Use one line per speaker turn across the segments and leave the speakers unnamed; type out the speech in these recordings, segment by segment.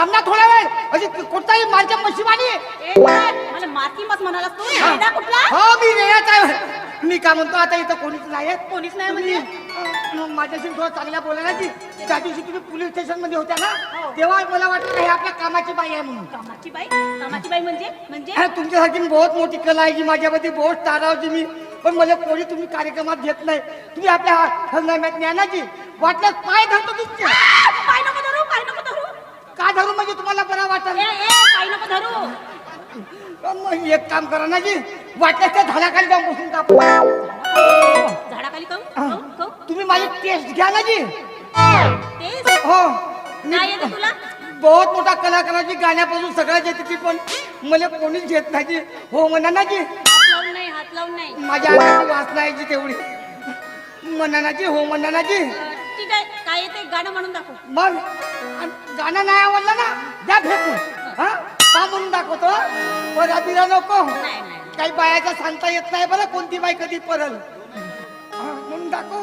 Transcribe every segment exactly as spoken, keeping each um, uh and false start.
थांबना थोडा वेळ अशी कोणताही माझ्या मशिवानी
मला माती मत म्हणाला तू रेडा कुठला
हो मी रेडाच आहे मी काय म्हणतो आता इथं कोणीच नाही आहे
कोणीच नाही म्हणजे
मग माझ्याशी थोडं चांगल्या बोलायला की त्या दिवशी तुम्ही पोलीस स्टेशन मध्ये होत्या ना तेव्हा मला वाटलं हे आपल्या कामाची बाई आहे म्हणून
कामाची बाई कामाची बाई म्हणजे म्हणजे
अरे तुमच्यासारखी बहुत मोठी कला आहे की माझ्यामध्ये बहुत तारावची मी पण मला कोणी तुम्ही कार्यक्रमात घेत नाही तुम्ही आपल्या हंगामात न्या ना जी वाटलं पाय धरतो तुमचे
पाय नको धरू पाय नको धरू
का धरू म्हणजे तुम्हाला बरं वाटत
ए ए पाय नको धरू
मग एक काम करा ना जी वाटलं त्या झाडाखाली जाऊन बसून टाकू
झाडाखाली काऊ काऊ
तुम्ही माझी टेस्ट घ्या ना जी
तेच
हो
काय येतं तुला
बहुत मोठा कलाकाराची गाण्यापासून सगळ्याच येते ती पण मला कोणीच घेत नाही जी हो म्हणा ना जी
हात लावून नाही हात लावून नाही
माझ्या अंगाची वासना आहे जी तेवढी म्हणा ना जी हो म्हणा ना जी
ठीक आहे काय येते गाणं म्हणून दाखव
मग आणि गाणं नाही आवडलं ना द्या फेकून हा का म्हणून दाखवतो बरं बिरा नको
नाही नाही
काही बायाचा सांगता येत नाही बरं कोणती बाई कधी परल हा, म्हणून दाखव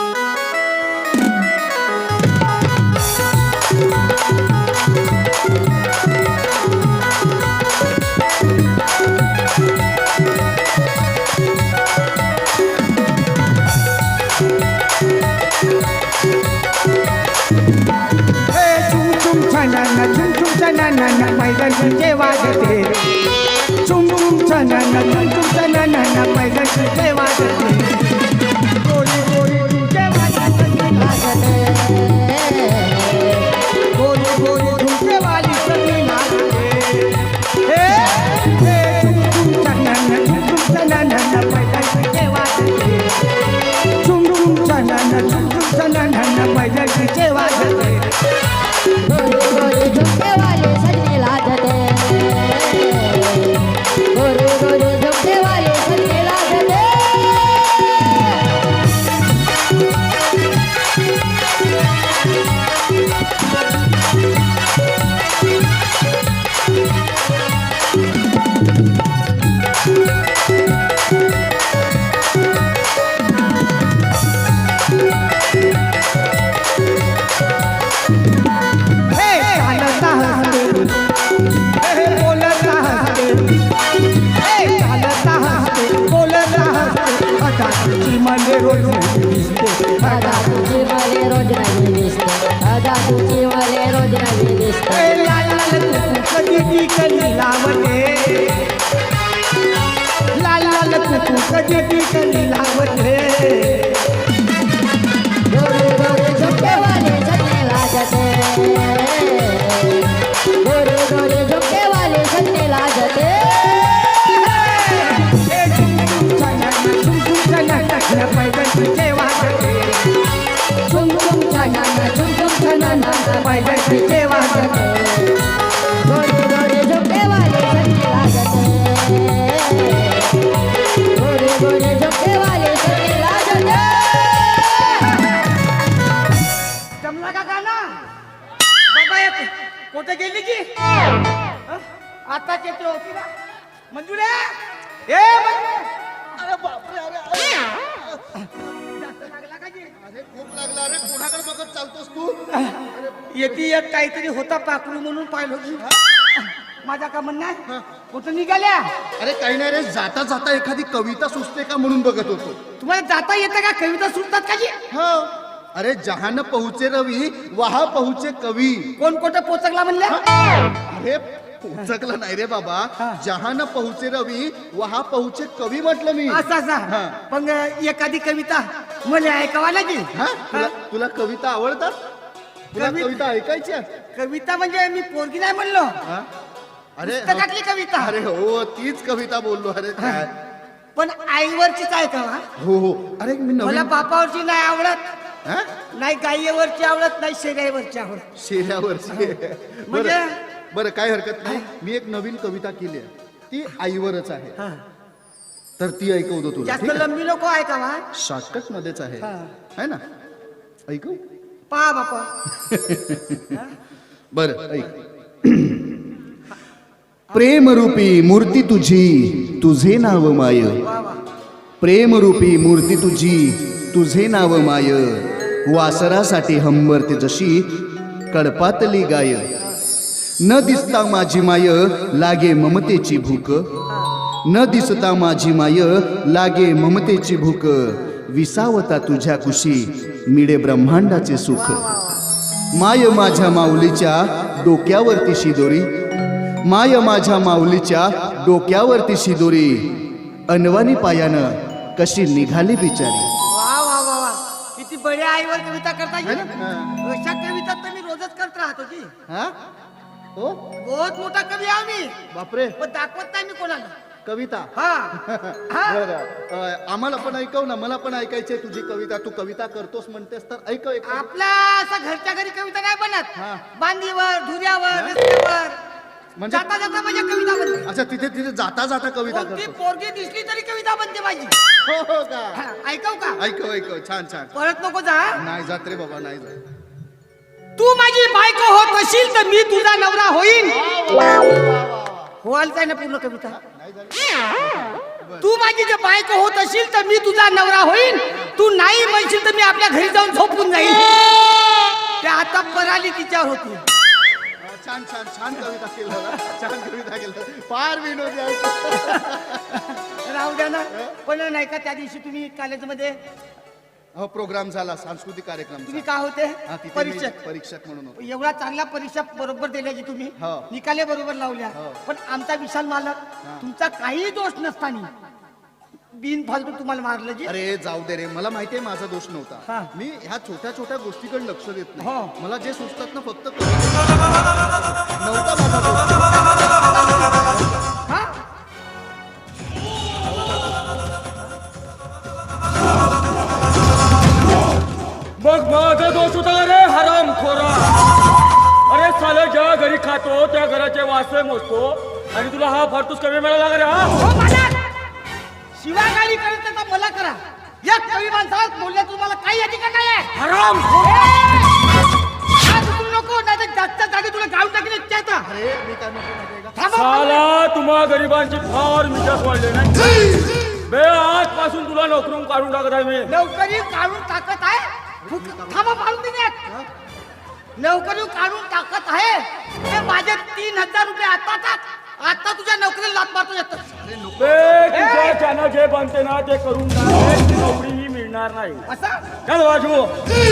पैगणचे वाजते चुम चुम छाना चुम चुम छाना पैगणचे वाजते गोरी गोरी तुमचे वाजते गोरी गोरी तुमचे वाली सगळी नाचते हे हे चुम चुम छाना चुम चुम छाना पैगणचे वाजते चुम चुम छाना चुम चुम छाना पैगणचे वाजते
गोरी गोरी झुमके वाले सजने लाजते गोरी गोरी झुमके वाले सजने लाजते
मला रोज नवी दिसते
आदा तुझी मले रोज नवी दिसते आदा तुझी मले रोज नवी दिसते
लाल लाल कुकू कधी कधी लावते लाल लाल कुकू कधी कधी लावते
गोरी गोरी झुमके वाले सजने लाजते गोरी गोरी झुमके वाले सजने लाजते
पैगणचे वाजते
चुम चुम छाना चुम चुम छाना
पैगणचे वाजते
गोरी गोरी झुमके वाले सजने लाजते गोरी गोरी झुमके वाले सजने लाजते
जमला का गाणं बाबा एक कुठे गेली की आताच येते होती ना मंजुळे ए मंजुळे
अरे बापरे अरे अरे
जास्त लागला का जी
अरे खूप लागला अरे कोणाकडे बघत चालतोस तू
येते एक काहीतरी होता पाखरू म्हणून पाहिलं की माझा का म्हणणं आहे कुठं निघाल्या
अरे काही नाही रे जाता जाता एखादी कविता सुचते का म्हणून बघत होतो
तुम्हाला जाता येतं का कविता सुटतात का जी
हो अरे जहान पहुचे रवी वहा पहुचे कवी
कोण कुठं पोचकला म्हणल्या
अरे पोचकला नाही रे बाबा जहान पहुचे रवी वहा पहुचे कवी म्हटलं मी
असं
हा.
असं पण एखादी कविता मला ऐकावा लागेल
हा तुला तुला कविता आवडतात तुला
कवि-
कविता ऐकायच्या
कविता म्हणजे मी पोरगी नाही म्हणलो
हा? अरे
पुस्तकातली कविता
अरे हो तीच कविता बोललो अरे काय
पण आईवरचीच ऐकावा
हो हो अरे मी
मला
नवीन
बापावरची नाही आवडत
हा?
नाही गायीवरची आवडत नाही शेऱ्यावरची आवडत
शेऱ्यावरची
म्हणजे
बरं बरं काय हरकत नाही मी एक नवीन कविता केली आहे ती आईवरच आहे
हा.
तर ती ऐकवतो तुला
जास्त
ठीक आहे?
लंबी नको ऐकावा
शॉर्टकट मध्येच आहे
हा.
है ना ऐकू
पहा बापा
बर ऐक प्रेमरूपी मूर्ती तुझी तुझे नाव माय प्रेमरूपी मूर्ती तुझी तुझे नाव माय वासरासाठी हंबरते जशी कडपातली गाय न दिसता माझी माय लागे ममतेची भूक, न दिसता माझी माय लागे ममतेची भूक, विसावता तुझ्या कुशी मिळे ब्रह्मांडाचे सुख. माय माझ्या माऊलीच्या डोक्यावरती शिदोरी, माय माझ्या माऊलीच्या डोक्यावरती शिदोरी, अनवानी पायानं कशी निघाली बिचारी.
वा वा वा वा, किती बड्या आईवर कविता करता येईल. अशा कविता तर मी रोजच करत राहतो की.
हा हो
बहुत मोठा कवी आहे मी,
बापरे,
पण दाखवत नाही मी कोणाला.
कविता.
हा हा.
बरं, अ, आम्हाला पण ऐकव ना, मला पण ऐकायची आहे तुझी कविता. तू कविता करतोस म्हणतेस तर ऐकव एक.
आपला असा घरच्या घरी कविता नाही बनत.
हा.
बांधीवर, धुऱ्यावर, रस्त्यावर
म्हणजे
जाता जाता माझ्या कविता बनते.
अच्छा, तिथे तिथे जाता जाता कविता
कोणती
करतो.
पोरगी दिसली तरी कविता बनते माझी.
हो हो का.
हा, ऐकव का?
ऐकव ऐकव, छान छान.
परत नको जा.
नाही जात रे बाबा, नाही जात.
तू माझी बायको होत असेल तर मी तुझा नवरा होईन. होईल काय ना पूर्ण कविता. तू माझी जर बायको होत असेल तर मी तुझा नवरा होईन. तू नाही म्हणशील तर मी आपल्या घरी जाऊन झोपून जाईन. ते आता पराली तिच्यावर होती.
छान छान छान कविता केलं, छान कविता केलं, फार विनोदी आहे.
राहू द्या ना. पण नाही का त्या दिवशी तुम्ही कॉलेजमध्ये
हो, प्रोग्राम झाला, सांस्कृतिक कार्यक्रम
तुम्ही
झाला.
काय होते?
हा, तिथे मी
परीक्षक.
परीक्षक म्हणून होतो.
एवढा चांगला परीक्षा बरोबर दिल्या की तुम्ही
हो.
निकाले बरोबर लावल्या.
हो.
पण आमचा विशाल मालक तुमचा काही दोष नसताना बिन फालतू तुम्हाला मारलं जी.
अरे जाऊ दे रे, मला माहिती आहे माझा दोष
हा.
नव्हता. मी ह्या छोट्या छोट्या गोष्टीकडे लक्ष देत नाही.
हो.
मला जे सुचतात ना फक्त कविता. नव्हता माझा दोष.
हा?
मग माझा दोष होता रे हराम खोरा. अरे साले ज्या घरी खातो त्या घराचे वासे मोजतो आणि तुला हा फारतूस कमी मिळाला का रे? हा
हो मालक, शिवागाडी करत त्याचा मला करा. या कवी माणसाला बोलल्या तुम्हाला काही अधिकार नाही आहे.
हराम
आज तू नको, नाही तर जागच्या जागी तुला गाऊन टाकले त्याचा.
अरे मी काय म्हणतो माहिती आहे का?
थांबा.
साला तुम्हा गरिबांची फार मिजाज वाढले नाही बे. आजपासून तुला नोकरून काढून टाकत आहे मी.
नोकरी काढून टाकत आहे. फुक- थांबा पाडून देण्यात. नोकरी काढून टाकत आहे. ते माझे तीन हजार रुपये आता टाक. आता तुझ्या नोकरीला लात मारतो येतो.
बे तुझ्या ज्यांना जे बनते ना ते करून टाक. ती नोकरी ही मिळणार नाही.
असं
चल वाजू.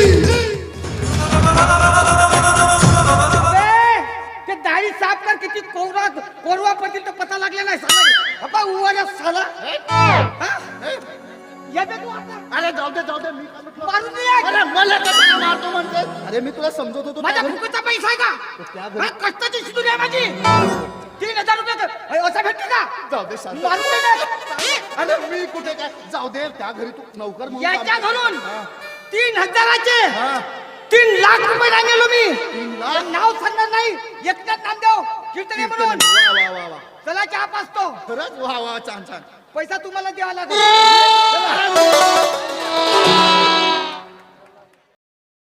बे, ते दाढी साफ कर. किती कोरवा कोरवा पडतील तर पता लागला नाही साला. बाबा उवाला साला. हा? या बे तू आता.
अरे जाऊ दे जाऊ दे, मी काय म्हटलं?
मारून दे.
अरे मला कशाला मारतो म्हणते? अरे मी तुला समजत होतो.
माझ्या
त्या घरी-
फुकटचा पैसा आहे
त्या
का?
घरी-
हा, कष्टाची शिदूर आहे माझी. तीन हजार रुपये कर. अय, असं भेटते का?
जाऊ दे शांत.
मारून दे ना.
अरे मी कुठे काय, जाऊ दे. त्या घरी तू नौकर म्हणून काम
याच्या
करतो.
घरून
हा.
तीन हजाराचे
हा.
तीन लाख रुपये आणलेलो मी.
तीन लाख?
हे नाव सांगणार नाही. एकट्यात नामदेव कीर्तने म्हणून.
वा वा वा वा,
चला चहा पाचतो.
खरंच वा वा, छान छान.
पैसा तुम्हाला द्यावा लागेल.